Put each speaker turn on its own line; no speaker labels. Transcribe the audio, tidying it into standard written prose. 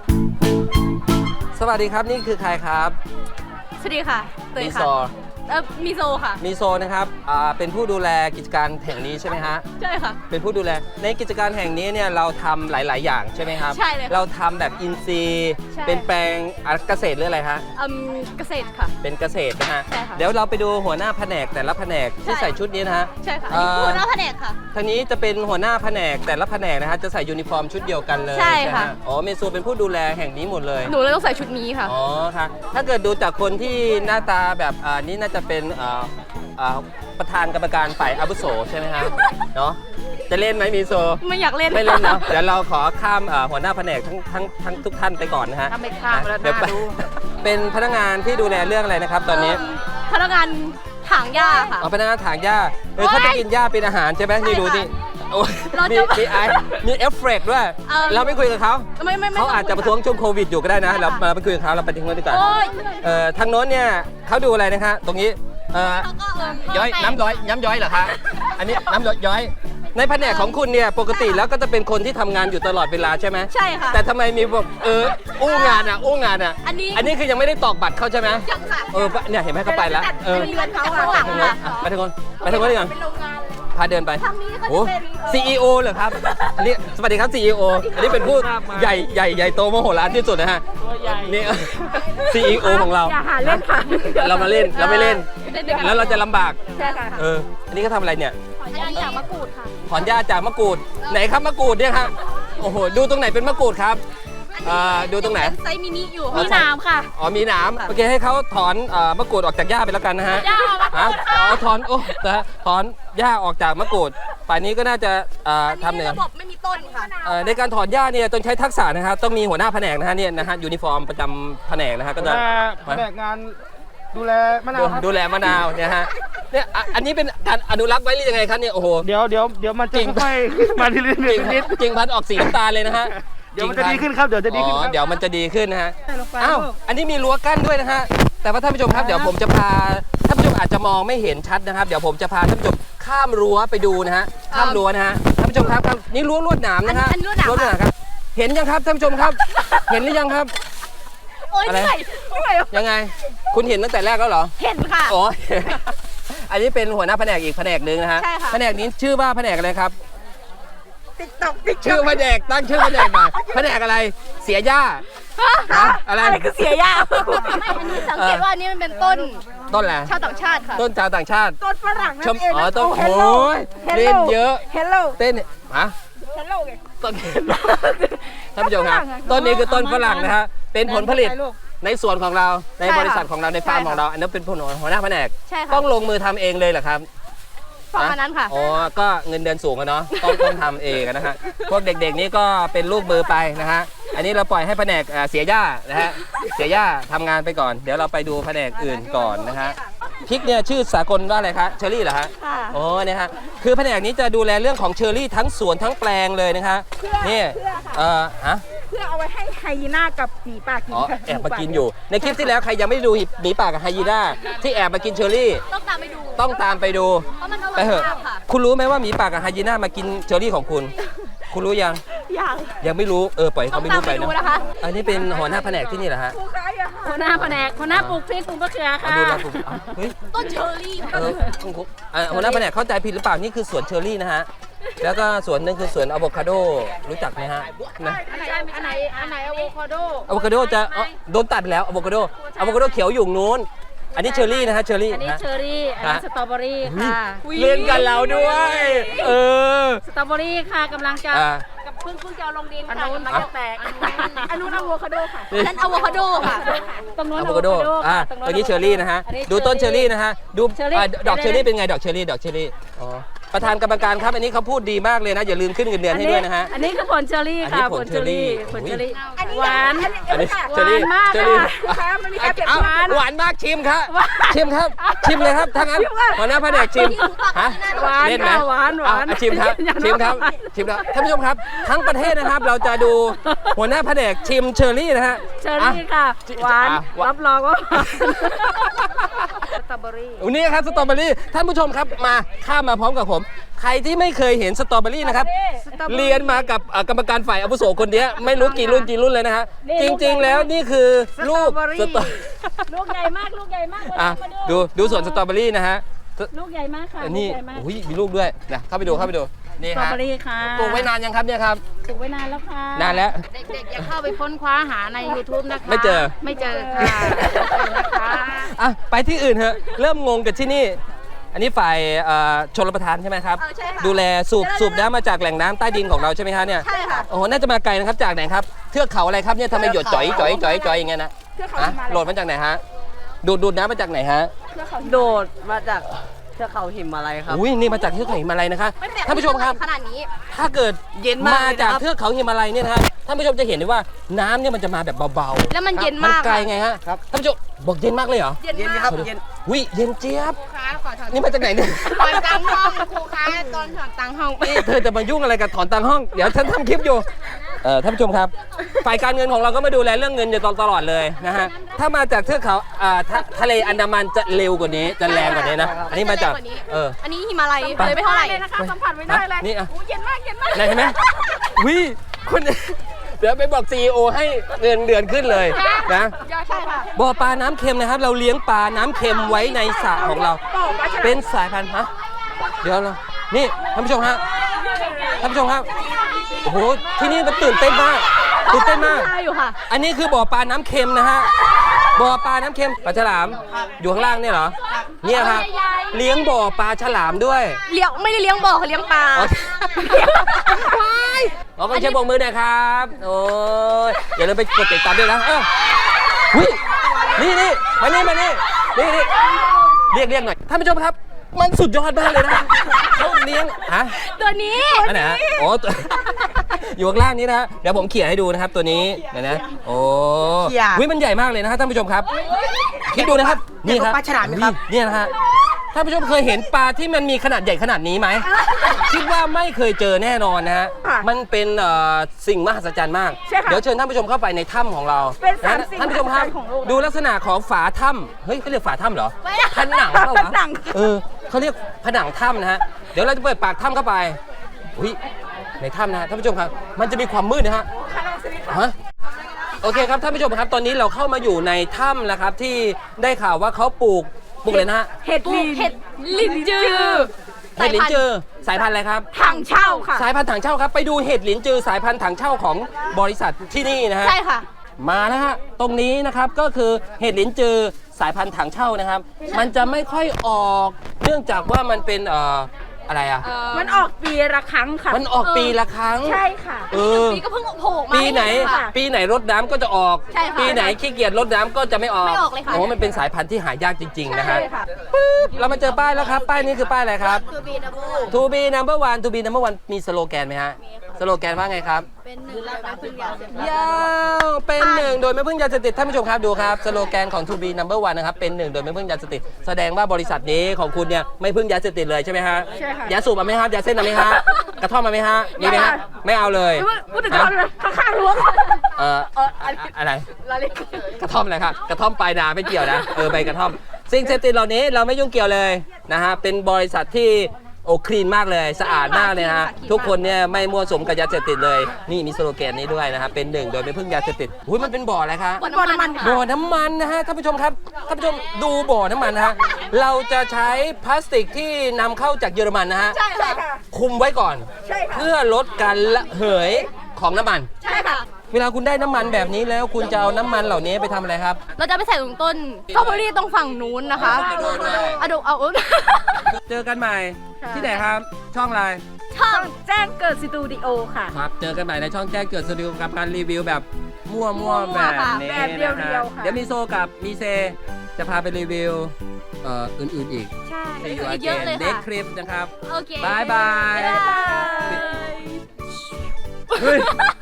สวัสดีครับนี่คือใครครับ
สวัสดีค่ะเตย
มี
ค่ะ
โซ
มีโซค่ะ
มีโซนะครับเป็นผู้ดูแลกิจการแห่งนี้ใช่ไหมฮะ
ใช่ค่ะ
เป็นผู้ดูแลในกิจการแห่งนี้เนี่ยเราทำหลาย ๆ อย่างใช่ไหมครับ
ใช่เลยค่ะ
เราทำแบบอินทรีย์
ใช่
เป็นแปลงเกษตรหรืออะไรฮะ
เกษตรค่ะ
เป็นเกษตรนะฮะ
ใช่ค่ะ
เดี๋ยวเราไปดูหัวหน้าแผนกแต่ละแผนกที่
ใช่
ใส่ชุดนี้นะฮะ
ใช่ค่ะ
เอ่อ
หัวหน้าแผนกค่ะ
ทางนี้จะเป็นหัวหน้าแผนกแต่ละแผนกนะฮะจะใส่ยูนิฟอร์มชุดเดียวกันเลย
ใช่ค่ะ
ไหมฮอ๋อเมซูเป็นผู้ดูแลแห่งนี้หมดเลย
หนูเลยต้องใส่ชุดนี้ค่ะ
อ๋อค่ะถ้าเกิดดูจากคนที่หน้าตาแบบนี่น่าจะเป็นประธานกรรมการฝ่ายอาวุโสใช่ไหมครับ เนาะจะเล่นไหมมีโซ
ไม่อยากเล่น
ไม่เล่นเนาะเดี๋ยวเราขอข้ามหัวหน้าแผนกทั้งทุกท่านไปก่อนนะฮะ
ถ้าไม่ข้ามแล้ว
เดี๋ยว
น่าดู
เป็นพนักงานที่ดูแลเรื่องอะไรนะครับตอนนี้
พนักงานถางหญ้าค่ะ
พนักงานถางหญ้าเขาจะกินหญ้าเป็นอาหารใช่ไหมนี่ดูนี่โอ้ย
เรา
มี
จะ
มีเอฟเฟกต์ด้วย เราไม่คุยกับเขา
ไม่
เขาอาจจะประท้วงช่วงโควิดอยู่ก็ได้นะเราไปคุยกับเขาเราไปทิ้งไว้ดีกว่า
โอ้ย
ทางโน้นเนี่ยเขาดูอะไรนะคะตรงนี้
เขาก็
ย้อยน้ำย้อยเหรอคะอันนี้น้ำย้อยในแผนกของคุณเนี่ยปกติแล้วก็จะเป็นคนที่ทำงานอยู่ตลอดเวลาใช่ไหม
ใช่ค่ะ
แต่ทำไมมีแบบอู้งานอ่ะ
อันนี้
คือยังไม่ได้ตอกบัตรเขาใช่ไหม
ยังค่ะ
เนี่ยเห็นไหมเขาไปแล้ว
อันนี้เงินเขาข้างหลังค่ะ
ไปทางโน้นดีกว่าพาเดินไป
ทางนี้ก็
โอ้
จะเป็น
CEO เหรอครับอันนี้สวัสดีครับ CEO อันนี้เป็นผู้ใหญ่โตมโหฬารที่สุดนะฮะนี่ CEO ของเรา
อย่าหาเล่นค่ะ
เรามาเล่นเราไม่เล่น แล้วเราจะลำบาก
ใช่ค่ะ
อันนี้ก็ทำอะไรเนี่ย
อันนี้จากมะกรูดค่ะ
ถอนหญ้าจากมะกรูดไหนครับมะกรูดเนี่ยฮะโอ้โหดูตรงไหนเป็นมะกรูดครับดูตรงไหน
ไซส์มินิอยู่
มีหนามค่ะอ๋อมีหนามโอเคให้เขาถอนมะกรูดออกจากหญ้าไปแล้วกันนะฮะ
หญ้าออกมา
ถอนถอนหญ้าออกจากมะกรูดป่านนี้ก็น่าจะทำเนี่ย
ระบบไม่มีต้นค่ะ
ในการถอนหญ้าเนี่ยต้องใช้ทักษะนะครับต้องมีหัวหน้าแผนกนะฮะเนี่ยนะฮะยูนิฟอร์มประจำแผนกนะฮะก็จะ
แผนกงานดูแลมะนาวครับ
ดูแลมะนาวเนี่ยฮะเนี่ยอันนี้เป็นการอนุรักษ์ไว้หรือยังไงครับเนี่ยโอ้โห
เดี๋ยวมันจะ
จริง
ค่อยๆมาทีละนิดนิด
จริงพันธุ์ออกสีน้ำตาลเลยนะฮะ
เดี๋ยวมันจะดีขึ้นครับเดี๋ยวจะดีขึ้นครับ
เดี๋ยวมันจะดีขึ้นนะฮะ
ลงไป
อ้าว
ลูก
อันนี้มีรั้วกั้นด้วยนะฮะแต่ว่าท่านผู้ชมครับเดี๋ยวผมจะพาท่านผู้ชมอาจจะมองไม่เห็นชัดนะครับเดี๋ยวผมจะพาท่านผู้ชมข้ามรั้วไปดูนะฮะข้ามรั้วนะฮะท่านผู้ชมครับนี่รั้วลวดหนามนะฮะ
อันนี้ลวดหนาม
ลวดหนามครับเห็นยังครับท่านผู้ชมครับ เห็นหรือยังครับ
โอ้ย
อะไร
เหนื่อยเหนื่อย
ยังไง คุณเห็นตั้งแต่แรกแล้วเหรอ
เห็นค่ะ
อ๋อ อันนี้เป็นหัวหน้าแผนกอีกแผนกหนึ่งนะฮะ
ใช่ค่ะ
แผนกนี้ชื่อว่าแผนกอะไรครับ
ติ๊กต็อกติ๊ก
ชื่อแผนกตั้งชื่อแผนกหน่อยแผนกอะไรเสียหญ้าฮะอะไร
อะไรคือเสียยา
ไม่อันนี้สังเกตว่าอันนี้มันเป็นต้น
ต้นอะไร
ชาวต่างชาติค่ะ
ต้นชาวต่างชาติ
ต้นฝรั่งนั่
ชม
นเอง
อ๋อต้น
เฮล
โอ้
โล
ยเล่นเยอะ
เฮลโล
เต้นฮะ
เฮลโลไง
ต้นท่านผู้ชมครับต้นนี้คือต้นฝรั่งนะฮะเป็นผลผลิตในสวนของเราใน
ใช่ค่ะ
บริษัทของเราในฟาร์ม
ใช่ค่ะ
ของเราอันนั้นเป็นหัวหน้าแผนก
ใช่ค่ะ
ต้องลงมือทำเองเลยเหรอครับ
ประมาณนั้นค่ะ
อ๋อ ก็เงินเดือนสูงอะเนาะ ต้องทำเองอะนะฮะ พวกเด็กๆนี่ก็เป็นลูกมือไปนะฮะ อันนี้เราปล่อยให้แผนกเสียหญ้านะฮะ เสียหญ้าทำงานไปก่อน เดี๋ยวเราไปดูแผนกอื่นก่อนนะฮะ พริกเนี่ยชื่อสากลว่าอะไรคะ เชอรี่เหรอฮะ
ค่ะ
โอ้เนี่ยฮะ คือแผนกนี้จะดูแลเรื่องของเชอรี่ทั้งสวนทั้งแปลงเลยนะคะนี่ฮะ
เพื่อเอาไว้ให้ไฮยีน่ากับหมีป่ากิน
อ๋อ
ค่ะ
แอบมากินอยู่ ในคลิปที่แล้วใครยังไม่ได้ดูหมีป่ากับไฮยีน่าที่แอบมากินเชอรี่
ต้องตามไปดู
ต้องตามไปดู
เพราะมันอร่
ไป
อย
เถอะ
มากค่ะ
คุณรู้ไหมว่าหมีป่ากับไฮยีน่ามากินเชอรี่ของคุณ คุณรู้ยัง
อย่าง
ยังไม่รู้ปล่อย
ต้
เขา
อง
ไม่
ตาม
รู้
ไป
ไป
ดู
นะ
นะคะ
อันนี้เป็นหัวหน้าแผนกที่นี่เหรอฮะ
ผู้ค้าอย่าหา
หัวหน้าแผนกหัวหน้าปลูกพริกปลูกมะเขือ
เอา
ค่ะ
ดูแลผมเฮ้ย
ต้นเชอร์รี่ค่ะ
คุณครูหัวหน้าแผนกเข้าใจผิดหรือเปล่านี่คือสวนเชอร์รี่นะฮะแล้วก็สวนหนึงคือสวนอะโวคาโดรู้จักไหมฮะนะ
อันไหนอะโวคาโด
อะโวคาโดจะโดนตัดไปแล้วอะโวคาโดเขียวอยู่นู้นอันนี้เชอร์รี่นะฮะเชอร์รี่
อันนี้
นะ
เชอร์รี่อันนี้
ฮะ
สตรอเบอรี่ค่ะ
เล่นกันเราด้วย
สตรอเบอรี่ค่ะกำลังจะ
อ่า
กับเพิ่งจะเอาลงดินค่ะกำลังจะแตก
อันนู้นอะโวคาโดค่ะ
นั่นอะโวคาโดค่ะ
ตรงโน้น
อะโวคาโดตรงนี้เชอร์รี่นะฮะดูต้นเชอร์รี่นะฮะดูดอกเชอร์รี่เป็นไงดอกเชอร์รี่อ๋อประธานกรรมการครับอันนี้เขาพูดดีมากเลยนะอย่าลืมขึ้นเงินเดือนให้ด้วยนะฮะ
อันนี้คือผลเชอร์รี่
อันนี้
ค่ะ
ผลเชอร์รี่
ผลเชอร์รี่
อันนี้
หวาน
อันนี้
ค่ะ
เชอร์รี่
หวานมาก
เชอร์รี่
ค่ะ
มันมีการเปรียบ
เอา
เทียบ
หวานมากชิมครับชิมครับชิมเลยครับถ้างั้นหัวหน้าแผนกชิมฮะ
หวาน
เล่นไหม
ค่ะหวานหวาน
ชิมครับชิมครับชิมครับท่านผู้ชมครับทั้งประเทศนะครับเราจะดูหัวหน้าแผนกชิมเชอร์รี่นะฮะ
เชอร์รี่ค่ะหวานรับรองว่าสตรอเบอรี่
วันนี้ครับสตรอเบอรี่ท่านผู้ชมครับมาข้ามมาพร้อมกับผมใครที่ไม่เคยเห็นสตรอเบอรี่นะครับ เรียนมากับกรรมการฝ่ายอาวุโสคนเนี้ยไม่รู้กี่รุ่นเลยนะฮะ จริงๆแล้วนี่คือลูกสตรอ
ลูกใหญ่มากลูกใหญ่มาก
อ่ะ
มา
ดูสวนสตรอเบอรี่นะฮะ
ลูกใหญ่มากค่ะ
อันนี้
ลูกใหญ่มาก
อุ้ยมีลูกด้วยนะเข้าไปดูนี่
สตรอ
ฮะ
เบอรี่ค่ะ
ปลูกไว้นานยังครับเนี่ยครับ
ปลูกไว้นานแล้วค่ะ
นานแล้ว
เด็กๆอย่าเข้าไปค้นคว้าหาใน YouTube นะคะ
ไม่เจอ
ไม่เจอค่ะนะคะ
อ่ะไปที่อื่นเถอะเริ่มงงกับที่นี่ อันนี้ฝ่ายชลประทานใช่ไหมครับ
ใช่ค่ะ
ดูแลสูบน้ำมาจากแหล่งน้ำใต้ดินของเราใช่ไหมฮะเนี่ย
ใช่ค่ะ
โอ้โหน่าจะมาไกลนะครับจากไหนครับเทือกเขาอะไรครับเนี่ยทำไมหยดจ่อยอย่างเงี้ยนะ
เทือกเขา
ฮะ
หิมาลัย
โหลดมาจากไหนฮะดูดน้ำมาจากไหนฮะ
โดดมาจากเทือกเขาหิมาลัยครับ
อุ้ยนี่มาจากเทือกเขาหิมาลัยนะคะท่านผู้ชมครับ
ขนาดนี้
ถ้าเกิด
เย็นมากเลยนะครับ
จากเทือกเขาหิมาลัยเนี่ยนะฮะท่านผู้ชมจะเห็นได้ว่าน้ำเนี่ยมันจะมาแบบเบาๆ
แล้วมันเย็นมาก
ไกลไงฮะท่านผู้ชมบอกเย็นมากเลยเหรอ
เย็น
เย็น
มาก
ครับเย็น
อุ้ยเย็นเจี๊ยบ
ครูคะขอถอน
นี่มาจากไหนเนี่ย
ถอนตังห้องครูคะตอนถอนตังห้อง
นี่เธอจะมายุ่งอะไรกับถอนตังค์ห้อง เดี๋ยวฉันทำคลิปอยู่ท่านผู้ชมครับ ฝ่ายการเงินของเราก็มาดูแลเรื่องเงินอยู่ตลอดเลยนะฮะ ถ้ามาจากเทือกเขาทะเลอันดามันจะเร็วกว่านี้ จะแรงกว่านี้นะ อันนี้มาจาก
อันนี้หิมาลัยเลยไม่เท่าไหร่
เลยนะคะสัมผัสไม่ได้เลย
นี่อ่ะ
อู้เย็นมากเย็นมาก
ไหนเห็นไหมวิคุณ เดี๋ยวไปบอก CEO ให้เงินเดือนขึ้นเลยนะ
ใช่ค่ะ
บ่อปลาน้ำเค็มนะครับ เราเลี้ยงปลาน้ำเค็มไว้ในสระของเรา เป็นสายพันธุ์ฮะเดี๋ยวนะนี่ท่านผู้ชมฮะท่านผู้ชมครับโอ้โหที่นี่มันตื่นเต้นมากตื่นเต้นมาก
อยู่ค่ะ
อันนี้คือบ่อปลาน้ำเค็มนะฮะบ่อปลาน้ำเค็มปลาฉลามอยู่ข้างล่างเนี่ยเหรอเนี่ยครับเลี้ยงบ่อปลาฉลามด้วย
เลี้ยงไม่ได้เลี้ยงบ่อเขาเลี้ยงปลา
อ๋อ ขอคนเชียร์บกมือหน่อยครับโอ้ยอย่าลืมไปกดติดตามด้วยนะหุ้ยนี่มานี่เรียกหน่อยท่านผู้ชมครับ มันสุดยอดมากเลยนะเขาเลี้ยงฮะ
ตัวนี้
อันไหนฮะโอ้ตัว อยู่ข้างล่างนี้นะฮะเดี๋ยวผมเขี่ยให้ดูนะครับตัวนี้เดี๋ยวนะโอ้
เขี่ย
วิมันใหญ่มากเลยนะฮะท่านผู้ชมครับคิดดูนะครับนี่ครับ
ปลาฉลามไหมครับ
เนี่ยนะฮะท่านผู้ชมเคยเห็นปลาที่มันมีขนาดใหญ่ขนาดนี้ไหม คิดว่าไม่เคยเจอแน่นอนนะฮะ
ค่ะ
มันเป็นสิ่งมหัศจรรย์มาก
ใช่ค่ะ
เดี๋ยวเชิญท่านผู้ชมเข้าไปในถ้ำของเรา
เป็นสาม
นะ
สิ่ง
ท่านผู้ชมครับ
มหัศจรรย์ของโลก
ดูลักษณะของฝาถ้ำเฮ้ยเขาเรียกฝาถ้ำเหรอ
ไม่ได้
ผนังเปล่าวะ
ผนัง
เขาเรียกผนังถ้ำนะฮะ เดี๋ยวเราจะเปิดปากถ้ำเข้าไปอุ้ยในถ้ำนะฮะท่านผู้ชมครับ มันจะมีความมืดนะฮะฮะโอเคครับท่านผู้ชมครับ ตอนนี้เราเข้ามาอยู่ในถ้ำแล้วครับที่ได้ข่าวว่าเขาปลูกเลยนะฮะ
เห็ดลีน
เห็ดลินจือ
เห็ดหลินจือสายพันธุ์อะไรครับ
ถังเช่าค่ะ
สายพันธุ์ถังเช่าครับ ไปดูเห็ดหลินจือสายพันธุ์ถังเช่าของบริษัทที่นี่นะฮะ
ใช่ค่ะ
มานะฮะตรงนี้นะครับก็คือเห็ดหลินจือสายพันธุ์ถังเช่านะครับ มันจะไม่ค่อยออกเนื่องจากว่ามันเป็นอะไรอ่ะ
มันออกปีละครั้งค่ะ
มันออกปีละครั้ง
ใช่ค่ะ
เออ
ปีก็เพิ่งโผล่มา
ปีไหน
ให้เค่ะ
ปีไหนรดน้ำก็จะออก
ใช่ค่ะ
ปีไหนขี้เกียจรดน้ำก็จะไม่ออก
ไม่ออกเลยค่ะ
โอ้มันเป็นสายพันธุ์ที่หายากจริงๆนะฮะ
ใช่ค่ะ
ปึ๊บเรามาเจอป้ายแล้วครับป้ายนี้คือป้ายอะไรครับ
คือบีดับเบิล
To be number one To be number one มีสโลแกนไหมฮะสโลแกนว่าไงครับ
เป็นหนึ่งเลยไม่พึ่งยาเสพติด
ยาวเป็นหนึ่งโดยไม่พึ่งยาเสพติดท่านผู้ชมครับดูครับสโลแกนของ To be number one นะครับเป็นหนึ่งโดยไม่พึ่งยาเสพติดแสดงว่าบริษัทนี้ของคุณเนี่ยไม่พึ่งยาเสพติดเลยใช่ไหมฮะ
ใช่ค่ะ
ยาสูบมาไหมครับยาเส้นมาไหมฮะกระท่อมมาไหมฮะมีไหมฮะไม่เอาเลย
พูดถึงเขาเลยข้างๆรั้ว
อะไร
เราเรียก
กระท่อมอะไรครับกระท่อมปลายนาไม่เกี่ยวนะใบกระท่อมสิ่งเสพติดเหล่านี้เราไม่ยุ่งเกี่ยวเลยนะฮะเป็นบริษัทที่โอ้คลีนมากเลยสะอาดมากเลยนะฮะทุกคนเนี่ยไม่มั่วสุมกับยาเสพติดเลยนี่มีสโลแกนนี้ด้วยนะครับเป็นหนึ่งโดยไม่พึ่งยาเสพติดอุ้ยมันเป็นบ่ออะไรคะ
บ่อน้ำมันค่ะ
บ่อน้ำมันนะฮะท่านผู้ชมครับท่านผู้ชมดูบ่อน้ำมันนะฮะเราจะใช้พลาสติกที่นำเข้าจากเยอรมันนะฮะ
ใช่ค่ะ
คุมไว้ก่อน
ใช่ค่ะ
เพื่อลดการระเหยของน้ำมัน
ใช่ค่ะ
เวลาคุณได้น้ำมันแบบนี้แล้วคุณจะเอาน้ำมันเหล่านี้ไปทำอะไรครับ
เราจะไปใส่ตรงต้นสตรอเบอรี่ตรงฝั่งนู้นนะคะเอาดูเอา
เจอกันใหม่ที่ไหนครับ ช่องอะไร
ช่อง
แจ้งเกิดสตูดิโอค่ะ
ครับ เจอกันใหม่ในช่องแจ้งเกิดสตูดิโอกับการรีวิวแบบมั่วๆแบบนี้
แบบเรียวๆ
นะ
ค่ะ
เดี๋ยวมีโซกับมีเซจะพาไปรีวิวอื่นๆอีก
ใช่
See you
อีกเยอะ
again
เลย
next
ค่ะ
clip นะครับ
โอเค
บายบาย
บ๊ายบาย
เฮ้ย